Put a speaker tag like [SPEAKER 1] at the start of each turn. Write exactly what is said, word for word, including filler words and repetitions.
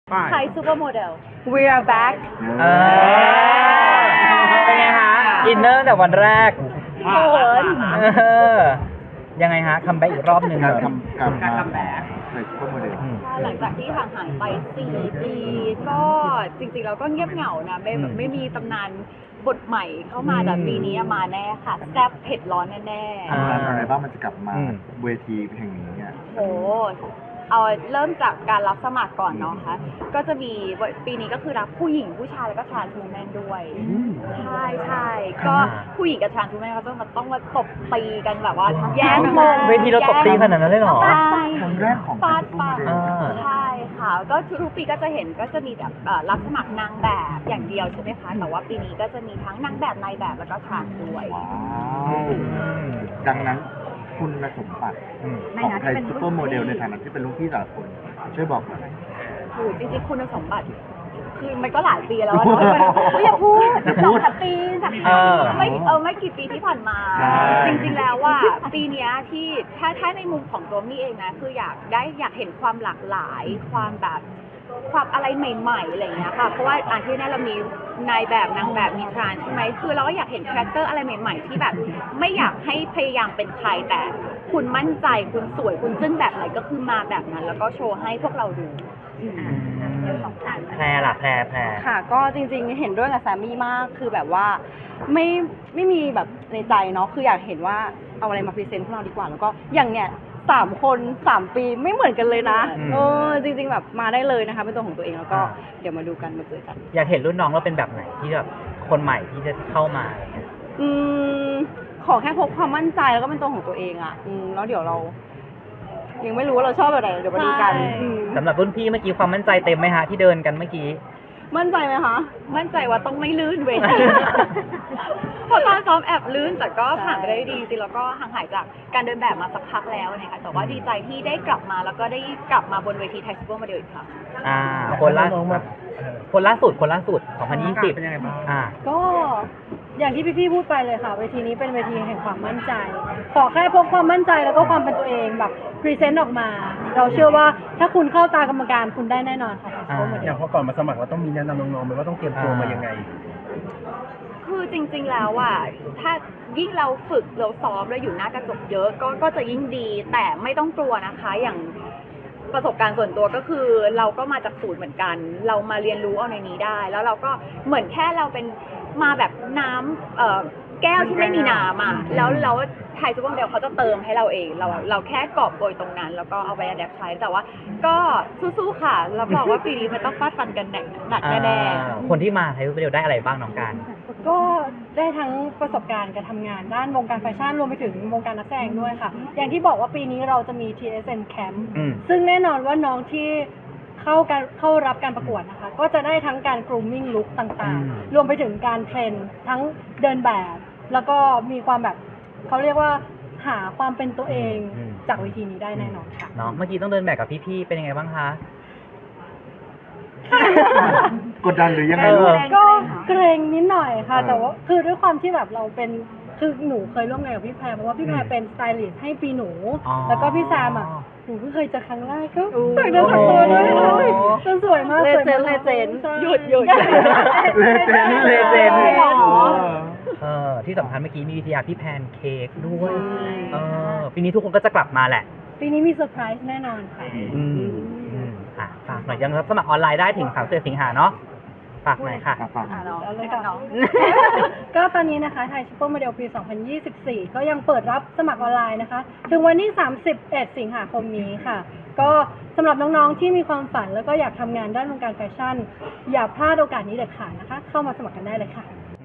[SPEAKER 1] ไทยซูเปอร์โมเดล
[SPEAKER 2] We are back
[SPEAKER 3] เออเป็นไงฮะอินเนอร์แต่วันแรก
[SPEAKER 1] เขิน
[SPEAKER 3] เออยังไงฮะคัมแบ็กอีกรอบหนึ่ง
[SPEAKER 4] การ
[SPEAKER 3] เหรอ
[SPEAKER 4] ทำการการทำแบบใส่ซุปเปอร์โมเดล
[SPEAKER 3] อืม
[SPEAKER 1] หลังจากที่ห่างหายไปสี่ปีก็จริงๆเราก็เงียบเหงานะไม่แบบไม่มีตำนานบทใหม่เข้ามาแต่ปีนี้มาแน่ค่ะแซ่บเผ็ดร้อนแน่
[SPEAKER 3] อ่า
[SPEAKER 4] อะไรบ้างมันจะกลับมา
[SPEAKER 3] อืม
[SPEAKER 4] เวทีแห่งนี้อ่ะ
[SPEAKER 1] ๆโหเอาเริ่มจากการรับสมัครก่อนเนาะค่ะก็จะมีปีนี้ก็คือรับผู้หญิงผู้ชายแล้วก็ทรานส์วูแมนด้วยใช่ใช่ก็ผู้หญิงกับทรานส์วูแมนเขาต้องมาต้องมาตบตีกันแบบว่าแย่งมง
[SPEAKER 3] เวทีเราตบตีขนาดนั้นเลยเหรอ
[SPEAKER 1] ใช่
[SPEAKER 4] ครั้งแรกของ
[SPEAKER 1] ฟาด
[SPEAKER 4] ซุปเปอ
[SPEAKER 1] ฟา
[SPEAKER 4] ร์
[SPEAKER 1] ด
[SPEAKER 4] โมเดล
[SPEAKER 3] อ่า
[SPEAKER 1] ใช่ค่ะก็ทุกๆปีก็จะเห็นก็จะมีแบบเอ่อรับสมัครนางแบบอย่างเดียวใช่ไหมคะแต่ว่าปีนี้ก็จะมีทั้งนางแบบนายแบบแล้วก็ทรานส์ด้วย
[SPEAKER 4] ว้าว ดังนั้นคุณสมบัติ
[SPEAKER 3] อืม
[SPEAKER 4] ของไทยซุปเปอร์โมเดลในฐานะที่เป็นลูกพี่แต่ละคน ช่วยบอกหน่อย
[SPEAKER 1] โอ้จริงๆคุณสมบัติคือมันก็หลายปีแล้วอะเนาะไม่อยากพูดสองสามปีสาม
[SPEAKER 3] เออ
[SPEAKER 1] ไม่เออไม่กี่ปีที่ผ่านมา
[SPEAKER 4] ใช่
[SPEAKER 1] จริงๆแล้วว่าปีเนี้ยที่ถ้าถ้าในมุมของตัวมี่เองนะคืออยากได้อยากเห็นความหลากหลายความแบบความอะไรใหม่ๆอะไรอย่างเงี้ยค่ะเพราะว่าอาที่นี่เรามีนายแบบนางแบบมีทรานส์ใช่ไหมคือเราก็อยากเห็นคาแรคเตอร์อะไรใหม่ ๆ ที่แบบไม่อยากให้พยายามเป็นใครแต่คุณมั่นใจคุณสวยคุณจึ้งแบบไหนก็คือมาแบบนั้น แล้วก็โชว์ให้พวกเราดูอืม
[SPEAKER 3] แพรล่ะแพรแพร
[SPEAKER 2] ค่ะ ก็จริงๆ เห็นด้วยกับแซมมี่มาก คือแบบว่าไม่ไม่มีแบบในใจเนาะ คืออยากเห็นว่าเอาอะไรมาพรีเซนต์พวกเราดีกว่า แล้วก็อย่างเนี้ยสามคนสามปีไม่เหมือนกันเลยนะ
[SPEAKER 3] อืม
[SPEAKER 2] เออจริงๆ แบบมาได้เลยนะคะ เป็นตัวของตัวเอง แล้วก็
[SPEAKER 3] อ่า
[SPEAKER 2] เดี๋ยวมาดูกันมาเจอกัน
[SPEAKER 3] อยากเห็นรุ่นน้องเราเป็นแบบไหนที่แบบคนใหม่ที่จะเข้ามาอะไรเงี้ย
[SPEAKER 2] อืมขอแค่พกความมั่นใจแล้วก็เป็นตัวของตัวเองอ่ะ อืมแล้วเดี๋ยวเรา ยังไม่รู้ว่าเราชอบแบบไหนเดี๋ยวมาดูกัน
[SPEAKER 1] ใช่
[SPEAKER 2] อืม
[SPEAKER 3] สำหรับรุ่นพี่เมื่อกี้ความมั่นใจเต็มไหมฮะที่เดินกันเมื่อกี้
[SPEAKER 2] มั่นใจไหมคะ
[SPEAKER 1] มั่นใจว่าต้องไม่ลื่นเวที เพราะตอนซ้อมแอบลื่นแต่ก็ผ่านไปได้ดีจริงๆแล้วก็ห่างหายจากการเดินแบบมาสักพักแล้วนะคะแต่ว่าดีใจที่ได้กลับมาแล้วก็ได้กลับมาบนเวทีไทยซูเปอร์โมเดลอีกครั้ง
[SPEAKER 3] อ่า คนล่าสุดคนล่าสุดคนล่าสุดสองพันยี่สิบอ่า
[SPEAKER 5] ก็อย่างที่พี่ๆพูดไปเลยค่ะเวทีนี้เป็นเวทีแห่งความมั่นใจ ขอแค่พกความมั่นใจแล้วก็ความเป็นตัวเองแบบพรีเซนต์ออกมา เราเชื่อว่าถ้าคุณเข้าตากรรมการคุณได้แน่นอนค่ะ
[SPEAKER 3] อ่า
[SPEAKER 6] อย่างพอก่อนมาสมัครเราต้องมีแนะนำน้องๆไหมว่าต้องเตรียมตัวมายังไง
[SPEAKER 1] คือจริงๆแล้วอ่ะถ้ายิ่งเราฝึกเราซ้อมแล้วอยู่หน้ากระจกเยอะก็ก็จะยิ่งดี แต่ไม่ต้องกลัวนะคะอย่างประสบการณ์ส่วนตัวก็คือเราก็มาจากศูนย์เหมือนกัน เรามาเรียนรู้เอาในนี้ได้ แล้วเราก็เหมือนแค่เราเป็นมาแบบน้ำเอ่อแก้วที่ไม่มีน้ำอ่ะแล้วเราไทยซูเปอร์โมเดลเขาจะเติมให้เราเองเราเราแค่กอบโกยตรงนั้น แล้วก็เอาไปอัดแอปใช้แต่ว่าก็สู้ๆค่ะรับรองว่าปีนี้มันต้องฟาดฟันกันหนักแน่ๆ
[SPEAKER 3] อ่าคนที่มาไทยรูปเดียวได้อะไรบ้างน้องการ
[SPEAKER 5] ก็ได้ทั้งประสบการณ์การทำงานด้านวงการแฟชั่นรวมไปถึงวงการนักแสดงด้วยค่ะ อย่างที่บอกว่าปีนี้เราจะมี ที เอส เอ็น Camp
[SPEAKER 3] อืม
[SPEAKER 5] ซึ่งแน่นอนว่าน้องที่เข้าการเข้ารับการประกวดนะคะ ก็จะได้ทั้งการ grooming look ต่าง
[SPEAKER 3] อืม
[SPEAKER 5] ๆ รวมไปถึงการเทรนทั้งเดินแบบ แล้วก็มีความแบบเขาเรียกว่าหาความเป็นตัวเองจากเวทีนี้ได้แน่นอนค่ะ
[SPEAKER 3] เนาะเมื่อกี้ต้องเดินแบบกับพี่ๆเป็นยังไงบ้างคะ
[SPEAKER 4] กดดันหรือยังไง
[SPEAKER 3] เออ
[SPEAKER 4] ลูก
[SPEAKER 5] ก็เกรงนิดหน่อยค่ะ
[SPEAKER 4] เออ
[SPEAKER 5] แต่ว่าคือด้วยความที่แบบเราเป็นคือหนูเคยร่วมงานกับพี่แพรเพราะว่าพี่แพร
[SPEAKER 3] อืม
[SPEAKER 5] เป็นสไตลิสต์ให้ปีหนู
[SPEAKER 3] อ๋อ
[SPEAKER 5] แล้วก็พี่แซมอ่ะหนูเพิ่งเคยเจอครั้งแรกก็ฝากเดินฝากตัวด้วย
[SPEAKER 3] โอ้
[SPEAKER 5] จนสวยมาก
[SPEAKER 2] เล
[SPEAKER 5] สวย
[SPEAKER 2] เจน
[SPEAKER 5] มาก
[SPEAKER 2] เลเจน
[SPEAKER 5] ใช่
[SPEAKER 2] หยุดหยุด
[SPEAKER 4] เลเจนด์
[SPEAKER 3] เลเจนด์
[SPEAKER 5] หรอ
[SPEAKER 3] เออที่สำคัญเมื่อกี้มีวิทยาพี่แพนเค้กด้วย
[SPEAKER 2] ใช่
[SPEAKER 3] เออปีนี้ทุกคนก็จะกลับมาแหละ
[SPEAKER 5] ปีนี้มีเซอร์ไพรส์แน่นอนค่ะ
[SPEAKER 3] อืมอืมอ่ะฝากหน่อยยังรับสมัครออนไลน์ได้ถึงสามสิบสิงหาเนาะฝากหน่อยค่ะ
[SPEAKER 4] อ่ะฟัง
[SPEAKER 1] อ่ะน้อง
[SPEAKER 5] เอาเลย
[SPEAKER 1] ให้
[SPEAKER 5] ค่ะ
[SPEAKER 1] น้อง
[SPEAKER 5] ก็ตอนนี้นะคะไทยซูเปอร์โมเดลปี สองพันยี่สิบสี่ ก็ยังเปิดรับสมัครออนไลน์นะคะ ถึงวันที่ สามสิบเอ็ด สิงหาคมนี้ค่ะ ก็สำหรับน้องๆที่มีความฝันแล้วก็อยากทำงานด้านวงการแฟชั่น อย่าพลาดโอกาสนี้เด็ดขาดนะคะ เข้ามาสมัครกันได้เลยค่ะ